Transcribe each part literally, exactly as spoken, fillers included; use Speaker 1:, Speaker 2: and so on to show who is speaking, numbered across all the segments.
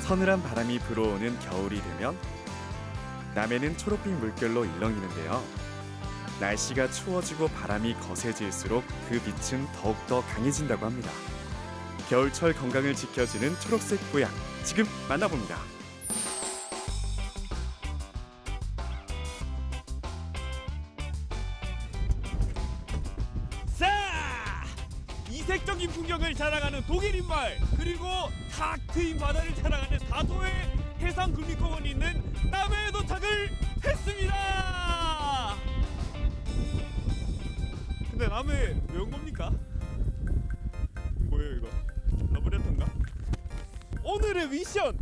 Speaker 1: 서늘한 바람이 불어오는 겨울이 되면 남해는 초록빛 물결로 일렁이는데요. 날씨가 추워지고 바람이 거세질수록 그 빛은 더욱더 강해진다고 합니다. 겨울철 건강을 지켜주는 초록색 보약, 지금 만나봅니다.
Speaker 2: 자! 이색적인 풍경을 자랑하는 독일인 마을, 그리고 탁 트인 바다를 자랑하는 다도의 해상국립공원이 있는 남해에 도착을 했습니다. 근데 남해 왜 온 겁니까? 뭐예요 이거? 러브레터인가? 오늘의 미션!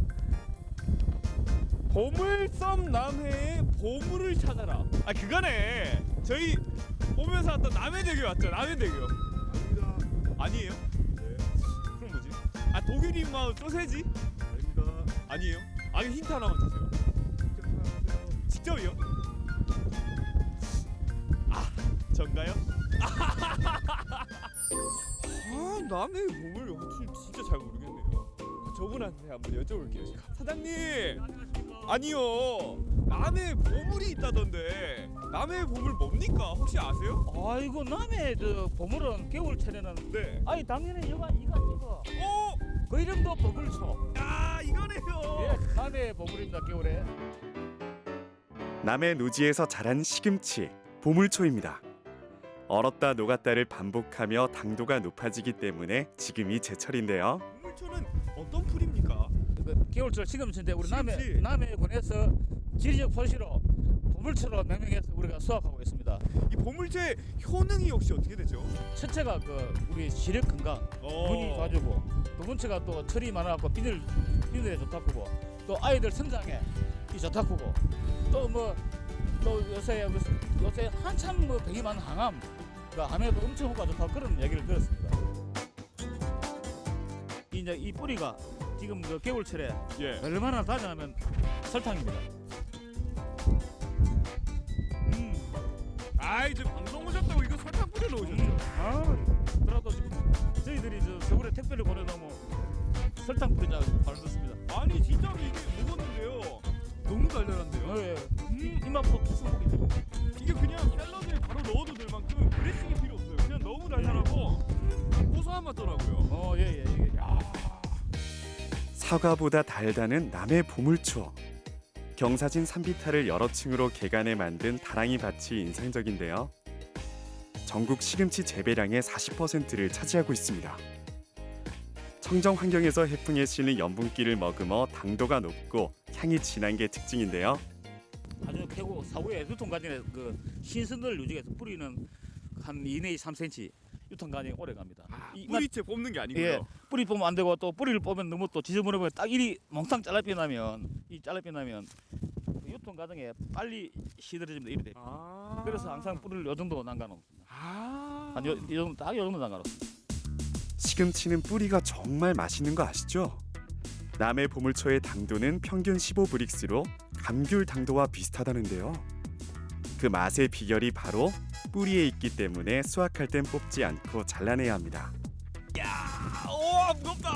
Speaker 2: 보물섬 남해의 보물을 찾아라. 아 그거네. 저희 오면서 왔던 남해대교 왔죠? 남해대교.
Speaker 3: 아닙니다.
Speaker 2: 아니에요?
Speaker 3: 네.
Speaker 2: 그럼 뭐지? 아 독일인 마을 소세지?
Speaker 3: 아닙니다.
Speaker 2: 아니에요? 아니 힌트 하나만 주세요.
Speaker 3: 직접 찾아보세요.
Speaker 2: 직접이요? 아 전가요? 아 남의 보물 진짜 잘 모르겠네요. 저분한테 한번 여쭤볼게요. 사장님. 아니요. 남의 보물이 있다던데. 남의 보물 뭡니까? 혹시 아세요?
Speaker 4: 아이고 남의 그 보물은 겨울철에는
Speaker 2: 네.
Speaker 4: 아니 당연히 이거 이거 이거
Speaker 2: 어?
Speaker 4: 그 이름도 보물초.
Speaker 2: 아 이거네요.
Speaker 4: 예, 남의 보물입니다 겨울에.
Speaker 1: 남해 노지에서 자란 시금치, 보물초입니다. 얼었다 녹았다를 반복하며 당도가 높아지기 때문에 지금이 제철인데요.
Speaker 2: 보물초는 어떤 풀입니까?
Speaker 4: 그 겨울철 시금치인데 우리 남해
Speaker 2: 시금치.
Speaker 4: 남해군에서 지리적 표시로 보물초로 명명해서 우리가 수확하고 있습니다.
Speaker 2: 이 보물초의 효능이 혹시 어떻게 되죠?
Speaker 4: 첫째가 그 우리 시력 건강,
Speaker 2: 어.
Speaker 4: 눈이 좋아지고, 두 번째가 또 철이 많아갖고 비늘 비늘에 좋다고, 또 아이들 성장에 이 좋다고, 또 뭐 또 요새 무슨 요새 한참 뭐 병이 많은 항암, 그 암에도 엄청 효과 좋다고 그런 얘기를 들었습니다. 이제 이 뿌리가 지금 그 겨울철에
Speaker 2: 예.
Speaker 4: 얼마나 다냐면 설탕입니다. 음.
Speaker 2: 아 이제 방송 오셨다고 이거 설탕 뿌려 놓으셨죠?
Speaker 4: 아, 그래도 지금 저희들이 저 서울에 택배를 보내다 뭐 설탕 뿌리자고 바로 듣습니다.
Speaker 2: 아니 진짜로 이게 먹었는데요. 너무 달달한데요?
Speaker 4: 예, 음, 입맛도 푸석하게.
Speaker 2: 이게 그냥 샐러드에 바로 넣어도 될 만큼 드레싱이 필요 없어요. 그냥 너무 달달하고 고소한 맛더라고요.
Speaker 4: 어, 예, 예, 예. 야.
Speaker 1: 사과보다 달다는 남해 보물초. 경사진 산비탈을 여러 층으로 개간해 만든 다랑이 밭이 인상적인데요. 전국 시금치 재배량의 사십 퍼센트를 차지하고 있습니다. 청정 환경에서 해풍에 실린 염분기를 머금어 당도가 높고 향이 진한 게 특징인데요.
Speaker 4: 아주 캐고 사후에 유통 과정에 그 신선도를 유지해서 뿌리는 한 이 내지 삼 센티미터 유통 과정이 오래 갑니다. 이 맛-
Speaker 2: 뿌리채 뽑는 게 아니고요.
Speaker 4: 예, 뿌리 뽑으면 안 되고 또 뿌리를 뽑으면 너무 또 지저분해 딱 이리 몽땅 잘라삐 나면 이 잘라삐 나면 그 유통 과정에 빨리 시들어집니다. 이리 돼.
Speaker 2: 아.
Speaker 4: 그래서 항상 뿌리를 요 정도 남겨놓습니다.
Speaker 2: 아.
Speaker 4: 한 요, 이 정도 딱 요 정도 남겨놓습니다.
Speaker 1: 시금치는 뿌리가 정말 맛있는 거 아시죠? 남해 보물초의 당도는 평균 십오 브릭스로 감귤 당도와 비슷하다는데요. 그 맛의 비결이 바로 뿌리에 있기 때문에 수확할 땐 뽑지 않고 잘라내야 합니다.
Speaker 2: 야, 오 무겁다.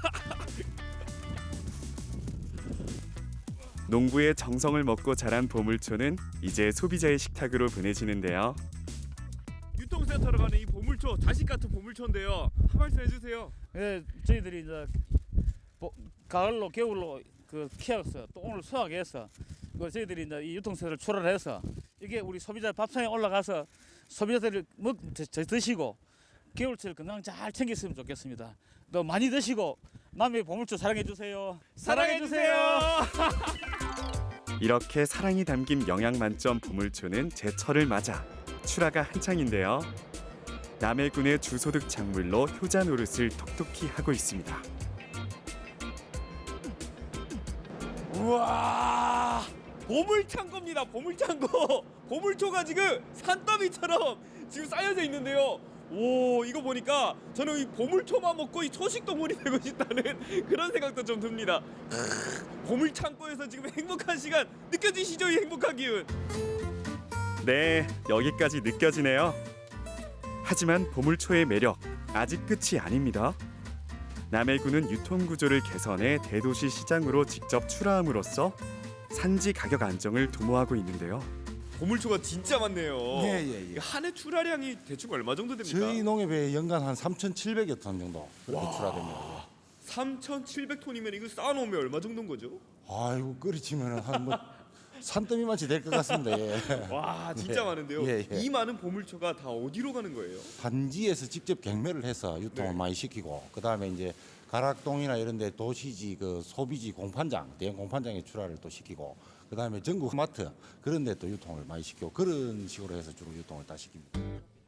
Speaker 1: 농부의 정성을 먹고 자란 보물초는 이제 소비자의 식탁으로 보내지는데요.
Speaker 2: 유통센터로 가는 이 보물초, 자식 같은 보물초인데요. 한 말씀 해주세요.
Speaker 4: 예, 저희들이 이제 보, 가을로 겨울로 그 키웠어요. 또 오늘 수확해서 그 저희들이 이제 이 유통세를 출하해서 이게 우리 소비자 밥상에 올라가서 소비자들이 먹 드, 드- 드시고 겨울철 건강 잘 챙겼으면 좋겠습니다. 또 많이 드시고 남의 보물초 사랑해 주세요.
Speaker 2: 사랑해 주세요.
Speaker 1: 이렇게 사랑이 담긴 영양 만점 보물초는 제철을 맞아 출하가 한창인데요. 남해군의 주소득 작물로 효자 노릇을 톡톡히 하고 있습니다.
Speaker 2: 우와, 보물창고입니다. 보물창고. 보물초가 지금 산더미처럼 지금 쌓여져 있는데요. 오, 이거 보니까 저는 이 보물초만 먹고 이 초식 동물이 되고 싶다는 그런 생각도 좀 듭니다. 크으, 보물창고에서 지금 행복한 시간 느껴지시죠? 이 행복한 기운.
Speaker 1: 네, 여기까지 느껴지네요. 하지만 보물초의 매력 아직 끝이 아닙니다. 남해군은 유통 구조를 개선해 대도시 시장으로 직접 출하함으로써 산지 가격 안정을 도모하고 있는데요.
Speaker 2: 보물초가 진짜 많네요.
Speaker 5: 예예예.
Speaker 2: 이거 한해 출하량이 대충 얼마 정도 됩니까?
Speaker 5: 저희 농협에 연간 한 삼천칠백여 톤 정도 그렇게 출하됩니다.
Speaker 2: 삼천칠백 톤이면 이거 쌓아놓으면 얼마 정도인 거죠?
Speaker 5: 아이고 끓이치면 한뭐 산더미만치 될 것 같습니다. 예.
Speaker 2: 와 진짜
Speaker 5: 예.
Speaker 2: 많은데요.
Speaker 5: 예, 예.
Speaker 2: 이 많은 보물초가 다 어디로 가는 거예요?
Speaker 5: 단지에서 직접 경매를 해서 유통을
Speaker 2: 네.
Speaker 5: 많이 시키고 그다음에 이제 가락동이나 이런 데 도시지 그 소비지 공판장, 대형 공판장에 출하를 또 시키고 그다음에 전국 마트 그런 데 또 유통을 많이 시키고 그런 식으로 해서 주로 유통을 다 시킵니다.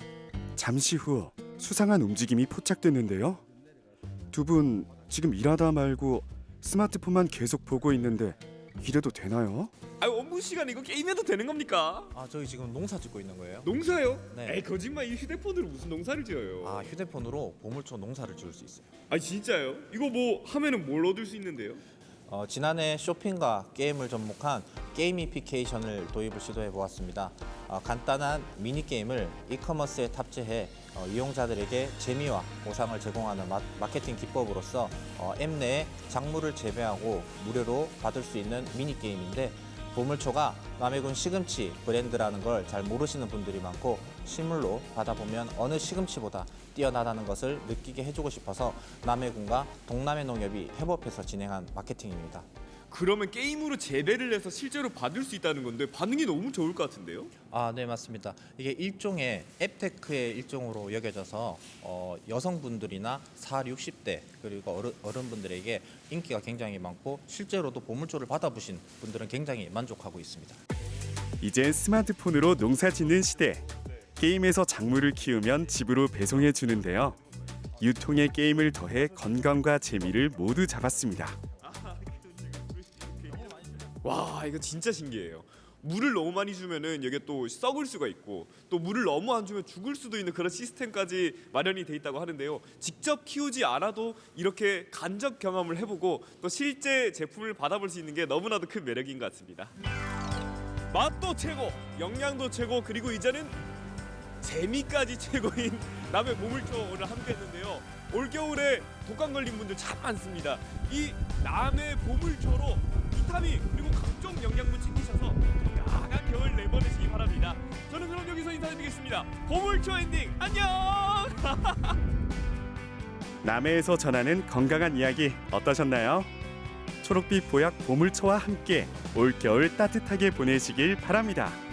Speaker 1: 잠시 후 수상한 움직임이 포착됐는데요. 두 분 지금 일하다 말고 스마트폰만 계속 보고 있는데 이래도 되나요?
Speaker 2: 아 업무 시간 이거 게임해도 되는 겁니까?
Speaker 6: 아 저희 지금 농사 짓고 있는 거예요.
Speaker 2: 농사요?
Speaker 6: 네.
Speaker 2: 에이 거짓말 이 휴대폰으로 무슨 농사를 지어요?
Speaker 6: 아 휴대폰으로 보물초 농사를 지을 수 있어요.
Speaker 2: 아 진짜요? 이거 뭐 하면은 뭘 얻을 수 있는데요?
Speaker 6: 어, 지난해 쇼핑과 게임을 접목한 게이미피케이션을 도입을 시도해 보았습니다. 어, 간단한 미니 게임을 이커머스에 탑재해 어, 이용자들에게 재미와 보상을 제공하는 마, 마케팅 기법으로서 어, 앱 내에 작물을 재배하고 무료로 받을 수 있는 미니 게임인데 보물초가 남해군 시금치 브랜드라는 걸 잘 모르시는 분들이 많고 실물로 받아보면 어느 시금치보다 뛰어나다는 것을 느끼게 해주고 싶어서 남해군과 동남해 농협이 협업해서 진행한 마케팅입니다.
Speaker 2: 그러면 게임으로 재배를 해서 실제로 받을 수 있다는 건데 반응이 너무 좋을 것 같은데요?
Speaker 6: 아, 네 맞습니다. 이게 일종의 앱테크의 일종으로 여겨져서 어, 여성분들이나 사, 육십 대 그리고 어른, 어른분들에게 인기가 굉장히 많고 실제로도 보물초를 받아보신 분들은 굉장히 만족하고 있습니다.
Speaker 1: 이젠 스마트폰으로 농사 짓는 시대. 게임에서 작물을 키우면 집으로 배송해 주는데요. 유통에 게임을 더해 건강과 재미를 모두 잡았습니다.
Speaker 2: 와 이거 진짜 신기해요. 물을 너무 많이 주면은 여기 또 썩을 수가 있고 또 물을 너무 안 주면 죽을 수도 있는 그런 시스템까지 마련이 돼 있다고 하는데요. 직접 키우지 않아도 이렇게 간접 경험을 해보고 또 실제 제품을 받아볼 수 있는 게 너무나도 큰 매력인 것 같습니다. 맛도 최고, 영양도 최고, 그리고 이제는 재미까지 최고인 남해 보물초 오늘 함께했는데요. 올 겨울에 독감 걸린 분들 참 많습니다. 이 남해 보물초로 비타민 그리고 각종 영양분 챙기셔서 건강한 겨울 내보내시기 바랍니다. 저는 그럼 여기서 인사드리겠습니다. 보물초 엔딩 안녕.
Speaker 1: 남해에서 전하는 건강한 이야기 어떠셨나요? 초록빛 보약 보물초와 함께 올겨울 따뜻하게 보내시길 바랍니다.